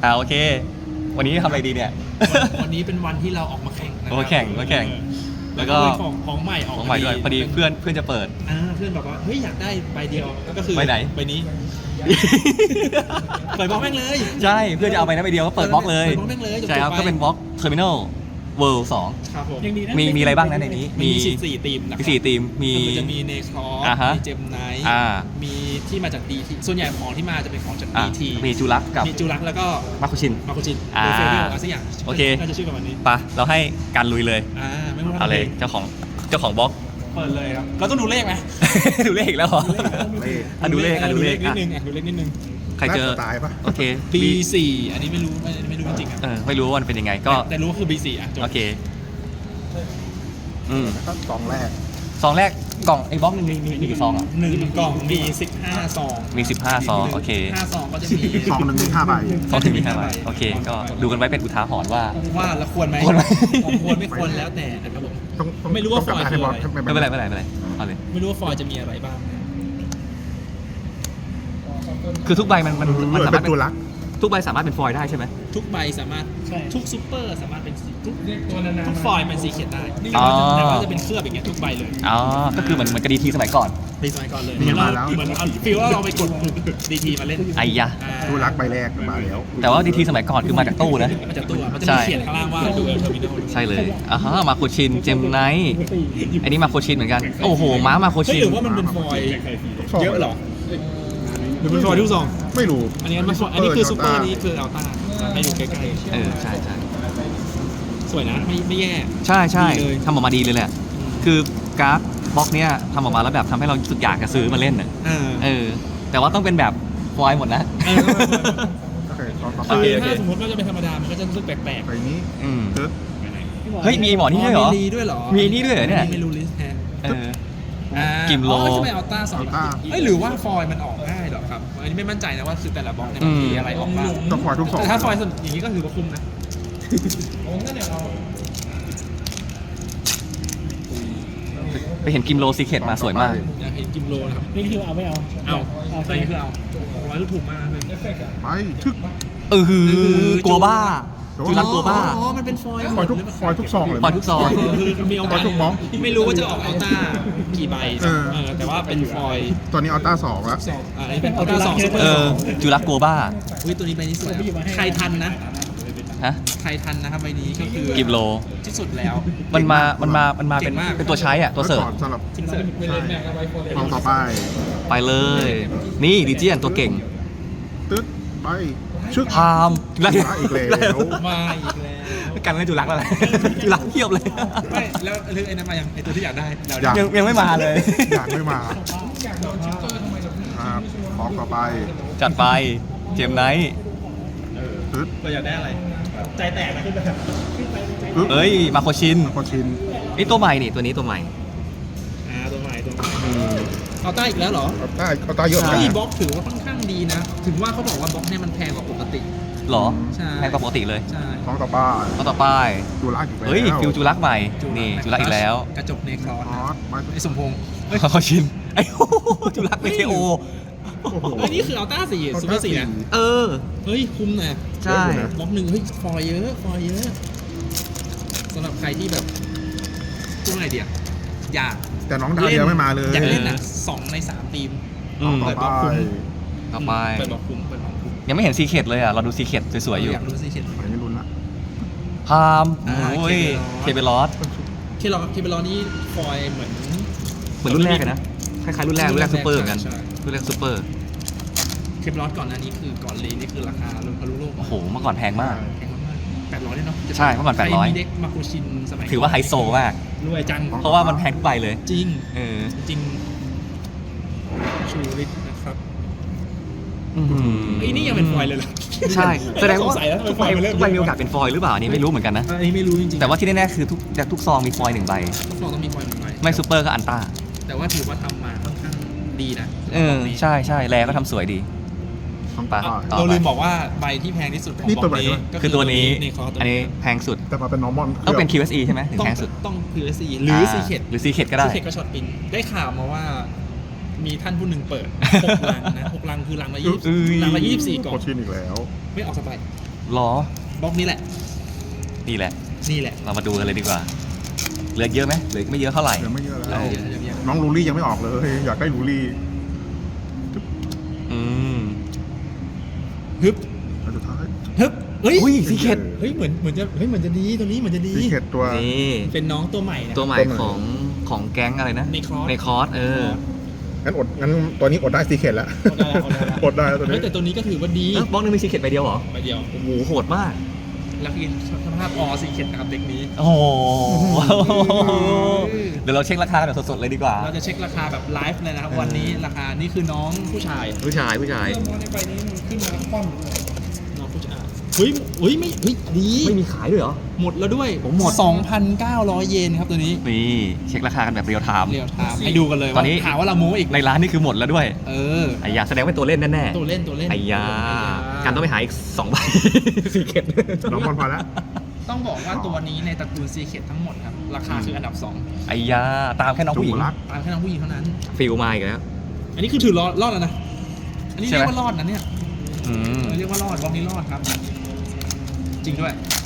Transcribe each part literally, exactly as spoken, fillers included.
อ่าโอเควันนี้ทำอะไรดีเนี่ยวันนี้เป็นวันที่เราออกมาแข่งนะครัโอ้แข่งมาแข่งแล้วก็ของของใหม่ออกของใหม่ด้วยพอดีเพื่อนเพื่อนจะเปิดอ่าเพื่อนบอกว่าเฮ้ยอยากได้ใบเดียวก็คือใบไหนใบนี้เปิดบล็อกแม่งเลยใช่เพื่อนจะเอาไปนะไปเดียวก็เปิดบล็อกเลยเปิดบล็อกแม่งเลยจบๆใช่ครับไปก็เป็นบล็อกเทอร์มินอลเวิลด์สองครับผมมีมีอะไรบ้างนะในนี้มีสี่ทีมนะคมีรับสี่ทีมมีมันจะมีเนคอร์อ่าฮะมีเจมไนท์อ่ามีที่มาจากดีทีส่วนใหญ่ของที่มาจะเป็นของจากอ่ะดีทีมีจูรักกับมีจูรักแล้วก็มาคุชินมาโคจินอ่าหรือเฟรเดลอะไรสักอย่างโอเคน่าจะชื่อประมาณนี้ปะเราให้การลุยเลยอ่าไม่รู้เอาเลยเจ้าของเจ้าของบล็อกเปิดเลยครับเราต้องดูเลขไหมดูเลขอีกแล้วเหรอเลขอ่ะดูเลขอ่ะดูเลขนิดอ่ะนึงอ่ะดูเลขนิดนึงใครเจอน่าจะตายปะโอเคบี สี่อันนี้ไม่รู้ไม่ไม่รู้จริงๆอ่ะเออไม่รู้ว่ามันเป็นยังไงก็แต่รู้ว่าคือ บี สี่อ่ะจบโอเคอืมแล้วก็สองแรกซองแรกกล่องไอ้บล็อกหนึงมีมีมีกี่ซองอ่ะหนึ่งกล่องมีสิบห้าซองมีสิบห้าซองโอเคห้าซองก็จะมีซองหนึ่งมีห้าใบซองถึงมีห้าใบโอเค ก็ดูกันไว้เป็นอุทาหรณ์ว่าว่าแล้วควรไหมควรไหมควรไม่ควรแล้วแต่นะครับผมต้องต้องไม่รู้ว่าต้องกลับฟอยล์ให้บอสคืออะไรไม่เป็นไรไม่เป็นไรไม่เป็นไรเอาเลยไม่รู้ว่าฟอยล์จะมีอะไรบ้างคือทุกใบมันมันมัมัน นเหมือนสาเป็มารถนตัวรักทุกใบสามารถเป็นฟอยล์ได้ใช่ไหมทุกใบสามารถทุกซูเปอร์สามารถเป็นสีทุกทุกฟอยล์เป็นสีเขียนได้อ๋อแต่ว่าจะเป็นเคลือบอย่างเงี้ยทุกใบเลยอ๋อก็คือเหมือนเหมือนกระดีทีสมัยก่อนในสมัยก่อนเลยนี่เหมือนมาเราแล้วเหมือนเอาฟีลว่าเราไปกดดีทีมาเล่นไอ้ยะอ่าตัวรักใบแรกมาแล้วแต่ว่าดีทีสมัยก่อนคือมาจากตู้นะมันจะตัวมันจะใช่มีเขียนข้างล่างว่าดูเอลเทอร์มินอลใช่เลยอ่าฮะมาโคชินเจมไนท์อันนี้มาโคชินเหมือนกันโอ้โหม้ามาโคเฮ้ยชินหรือว่ามันเป็นฟอยล์เยอะเหรอหรือเป็นฟอยล์ทุกซองไม่รู้อันนี้มันฟอยล์อันนี้คือซูเปอร์นี้คืออัลต้าให้ดูใกล้เออใช่ใช่ๆสวยนะไม่ไม่แย่ใช่ใช่ดีเลยทำออกมาดีเลยแหละคือการ์ดบล็อกเนี้ยทำออกมาแล้วแบบทำให้เรารู้สึกอยากจะซื้อมาเล่นน่ะเออเออแต่ว่าต้องเป็นแบบฟอยล์หมดนะเออโอเคตอนต่อไปโอเคคือถ้าสมมติว่าจะเป็นธรรมดา มันก็จะรู้สึกแปลกใบนี้อืมตึ๊ดเฮ้ยมีหมอๆนี่ด้วยเหรอมีด้วยเหรอมีนี่ด้วยเหรอเนี่ยไม่รู้ลิสต์แฮนเอออ่ากิมโลอ๋อใช่ไหมอัลต้าสองเอ้ยหรือว่าฟอยล์มันออกง่ายเหรอครับ อันนี้ไม่มั่นใจนะว่าคือแต่ละบล็อกเนี่ยมันมีอะไรออกบ้างต้องฟอยล์ทุกสองแต่ถ้าฟอยล์ส่วนอย่างนี้ก็ถือว่าคุ้มนะโอ้งั้นเดี๋ยวเราไปเห็นกิมโลซีเคทมาสวยมากอยากเห็นกิมโลนะครับนี่คือเอาไม่เอาเอาอันนี้คือเอาร้อยลูกถูกมากเลยไปชึกเออคือกลัวบ้าจูรักกลัวบ้าอ๋อ มันเป็นฟอยล์ฟอยล์ทุกฟอยล์ทุกซองเลยฟอยล์ทุกซองคือมีโอกาสฟอยล์ทุกบล็อกไม่รู้ว่าจะออกอัลต้ากี่ใบเออเออแต่ว่าเป็นฟอยล์ตอนนี้อัลต้าสองแล้วสองอ่าอันนี้เป็นอัลต้าสองซูเปอเอร์อจูรักกลัวบ้าอุ้ยตัวนี้ใบนี้สวยใครทันนะฮะใครทันนะครับใบนี้ก็คือกิมโลที่สุดแล้วมันมา มันมา มันมาเป็นเก่งมากเป็นตัวใช้อ่ะ ตัวเสิร์ฟก่อนสำหรับทิ้งเสิร์ฟซองต่อไปไปเลย นี่ดิเจียนตัวเก่งตึ๊ดไปชึกพามจุรักจุรักอีกแล้วมาอีกแล้วกันเล่นจุรักแล้วแหละจุรักเทียบเลยไม่แล้วเรื่องไอ้นั้นมายังไอ้ตัวที่อยากได้เดาอยากยังยังไม่มาเลยอยากไม่มาครับของต่อไปจัดไป เจมไนท์ตึ๊ดเราอยากได้อะไร ใจแตกนะขึ้นไปตึ๊ดเอ้ย มาโคชินคนชินนี่ตัวใหม่นี่ ตัวนี้ตัวใหม่อ่าตัวใหม่ตัวใหม่เอาต้าอีกแล้วเหรออัลต้าอัลต้าเยอะเหมือนเฮ้ยกันบล็อกถือว่าค่อนข้างดีนะ ถึงว่าเขาบอกว่าบล็อกเนี่ยมันแพงกว่าปกติหรอใช่แพงกว่าปกติเลยใช่ของต่อไปเอาต่อไปจุรักอีกแล้วเฮ้ย ฟิวจุรักใหม่ นี่จุรักอีกแล้วกระจกเนครอสอ๋อมาไอ้สมพงษ์มาโคชิน ไอ้โอ้โหจุรักไม่ใช่โอโอ้โหอันนี้คืออัลต้าสี่ซูเปอร์สี่นะเออเฮ้ย คุ้มนะใช่บล็อกหนึ่งเฮ้ย ฟอยเยอะ ฟอยเยอะสำหรับใครที่แบบพูดไงเดียอยากแต่น้องดาวเดียวไม่มาเลยอยากเล่นอ่ะสองในสามทีมอืมต่อเปิดไปบล็อกคุ้มต่อไปเปิดบล็อกคุ้มเปิดบล็อกคุ้มยังไม่เห็นซีเคทเลยอ่ะ เราดูซีเคทสวยๆอยู่อยากรู้สิเขียนอันนี้ลุ้นละพามอ่าโอ้ย เคเคเบเบลลออสส เคลอเคเบลอนี่ฟอยเหมือนเหมือนรุ่นแรกเลยนะ คล้ายๆรุ่นแรก รุ่นแรกซูเปอร์เหมือนกันใช่รุ่นแรกซูเปอร์เคเบลอสก่อนหน้านี้คือก่อนเลนนี่คือราคาลงทะลุโลกโอ้โห เมื่อก่อนแพงมากแพงมากๆแปดร้อยเนี่ยเนาะใช่เมื่อก่อนแปดร้อยใคมีเด็กมาโคชินสมัยถือว่าไฮโซมากรวยจังเพราะว่ามันแพงทุกใบเลยจริงเออจริงชูริตนะครับอื้อหือไอ้ยนี่ยังเป็นฟอยล์เลยเหรอใช่ แสดงว่าสงสัยแล้วทุกใบทำไมมันเริ่มทุกใบมีโอกาสเป็นฟอยล์หรือเปล่าอันนี้ไม่รู้เหมือนกันนะอันนี้ไม่รู้จริงๆแต่ว่าที่แน่ๆคือทุกทุกซองมีฟอยล์หนึ่งใบทุกฟองต้องมีฟอยล์หนึ่งใบไม่ซูเปอร์ก็อันต้าแต่ว่าถือว่าทำมาค่อนข้างดีนะเออ ใช่ใช่แลก็ทำสวยดีของไปต่อต่อเราไปลืมบอกว่าใบที่แพงที่สุดของนี่บล็ตัอวกใหม่นี้ด้วยก็คือตัวนี้ในคอร์อันนี้แพงสุดแต่มาเป็น normal ต้องเป็น คิว เอส อี ใช่ไหมถึงต้องแพงสุดต้อง พี เอส ซี หรือซีเคดหรือซีเคทก็ได้ซีเคดก็ช็อตปินได้ข่าวมาว่ามีท่านผู้หนึ่งเปิดหกลังนะหกลังคือลังละยี่เอ้ยลังละยี่สิบสี่กล่อโคงชินอีกแล้วไม่ออกสบายหรอบล็อกนี้แหละนี่แหละนี่แหละเรามาดูกันเลยดีกว่าเหลือเยอะไหมเหลือไม่เยอะเท่าไหร่เดี๋ยวไม่เยอะเยแล้วอะเยอะเยอะเยอะน้องลูลี่ยังไม่ออกเลย อยากได้ลูลี่อืมฮึบอันสุดท้ายฮึบเฮ้ยอุ้ยซีเคร็ตเฮ้ยเหมือนเหมือนจะเฮ้ยเหมือนจะดีตัวนี้เหมือนจะดีซีเคร็ตตัวนี่เป็นน้องตัวใหม่นะตัวใหม่ของของแก๊งอะไรนะในคอร์สในคอร์สเอองั้นอดงั้นตัวนี้อดได้ซีเคร็ตแล้วอดได้แล้วอดได้แล้วอดได้แล้วตัวเฮ้นี้ยแต่ตัวนี้ก็ถือว่าดีเอ้าบล็อกนึงมีซีเคร็ตใบเดียวเหรอไปเดียวโอ้โหโหดมากแล้วกินสภาพออซีเข็ดนะครับเด็กนี้โอ้โหเดี๋ยวเราเช็คราคากันแบบสดๆเลยดีกว่าเราจะเช็คราคาแบบไลฟ์เลยนะครับวันนี้ราคานี่คือน้องผู้ชายผู้ชายผู้ชายเริ่มมองในใบนี้มันขึ้นมาแล้วคว่ำน้องผู้ชายเฮ้ยเฮ้ยไม่เฮ้ยดีไม่มีขายด้วยเหรอหมดแล้วด้วยผมหมดสองพันเก้าร้อยเยนครับตัวนี้นี่เช็คราคากันแบบเรียลไทม์เรียวไทม์ให้ดูกันเลยตอนนี้ว่าหาว่าเราโม้อีกในร้านนี่คือหมดแล้วด้วยเออไอ้ยาแสดงว่าตัวเล่นแน่ๆตัวเล่นตัวเล่นไอ้ยาการต้องไปหาอีกสองใบ ซีเคร็ตน้องบอลพอแล้วต้องบอกว่าตัวนี้ในตระกูลซีเ e ดทั้งหมดครับราคาคืออันดับสองไอ้ยาตามแค่น้องผู้หญิงจูรักตามแค่น้องผู้หญิงเท่านั้นฟิลมาอีกแล้วอันนี้คือถือรอดรอดแล้วนะอันนี้ใช่เรีไหมยกว่ารอดนะเนี่ยอืมเออเรียกว่ารอดบล็อกนี้รอดครับ จริงด้วย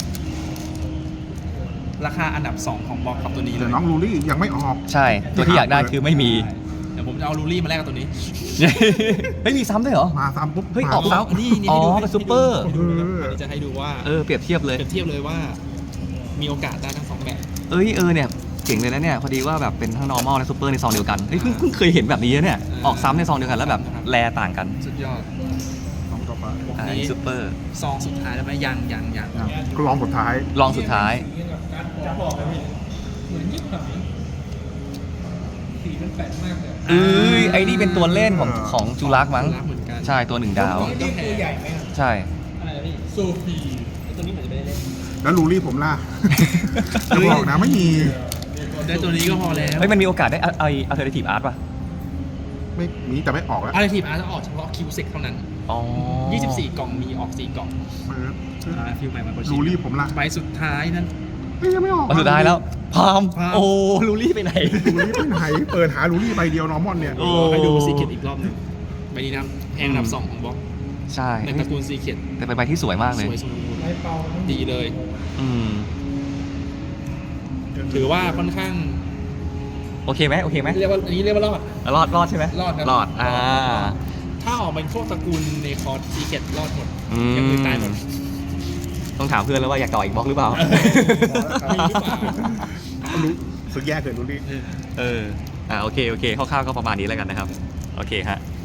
ราคาอันดับสองของบล็อกครับตัวนี้เลแต่ยน้องลูลี่ยังไม่ออกใช่ ตัวที่อยากได้คือไม่มีเดี๋ยวผมจะเอาลูรี่มาแลกกับตัวนี้ไม่มีซ้ำด้วยเหรอมาซ้ำปุ๊บเฮ้ยมาออกปุ๊บแล้วอันนี้นี่อ๋อให้ดูเป็นซูเปอร์ให้ดูนะครับอันนี้จะให้ดูว่าเออเปรียบเทียบเลยเปรียบเทียบเลยว่า มีโอกาสได้ทั้งสองแบบเอ้ยเออเนี่ยเจ๋งเลยนะเนี่ยพอดีว่าแบบเป็นทั้ง normal และ super ในซองเดียวกันเฮ้ยเพิ่งเพิ่งเคยเห็นแบบนี้นะเนี่ยออกซ้ำในซองเดียวกันแล้วแบบแลต่างกันสุดยอดน้องต่อไปบล็อกอ่านี้ซูเปอร์ซองสุดท้ายแล้วไหมยังยังยังอ่ะก็ลองสุดท้ายลองสุดท้ายจะบอกเลยพี่เหมือนยิบหายสีมันแปลกมากเลยเอ้ยไอ้นี่เป็นตัวเล่นของของจูรักมั้งรักเหมือนกันใช่ตัวหนึ่งดาวนี่ตัวใหญ่ไหมใช่อะไรนะพี่โซฟีตัวนี้เหมือนจะไม่ได้เล่นแล้วลูลี่ผมล่ะ จะบอกนะไม่มีได้ตัวนี้ก็พอแล้วเฮ้ยมันมีโอกาสได้ไอ alternative art ป่ะไม่มีแต่ไม่ออกแล้วอะไรทีมอาร์จะออกเฉพาะคิวเซ็กเท่านั้นอ๋อยี่สิบสี่ กล่องมีออก สี่ กล่องเปิดอ่าฟิลใหม่มาโคชิลูลี่ผมล่ะใบสุดท้ายนั้นเฮ้ยยังไม่ออกมาสุดท้ายแล้วพามพามโอ้ลูลี่ไปไหนลูลี่ไปไหนเปิดหาลูลี่ใบเดียวนอร์มอนเนี่ยโอ้ให้ดูซีเ e ตอีกรอบหนึงใบนี้นะแพงอันดับสองของบล็อกใช่ในตระกูลซีเ e ตแต่เป็นใบที่สวยมากสเลยวยสมบูรณ์ดีเลยอืมถือว่าค่อนข้างโอเคไหมโอเคไหมเรียกว่าอันนี้เรียกว่ารอดรอดรอดใช่ไหมรอดครับรอดอ่าถ้าออกเป็นพวกตระกูลในคอร์สซีเ e ตรอดหมดอืมอย่างอื่นตายหมดต้องถามเพื่อนแล้วว่าอยากต่ออีกบล็อกหรือเปล่ามีหรือเปล่ารู้สึกแย่เกินลูลี่เออเออ อ่าโอเค โอเค คร่าวๆก็ประมาณนี้แล้วกันนะครับ โอเคฮะ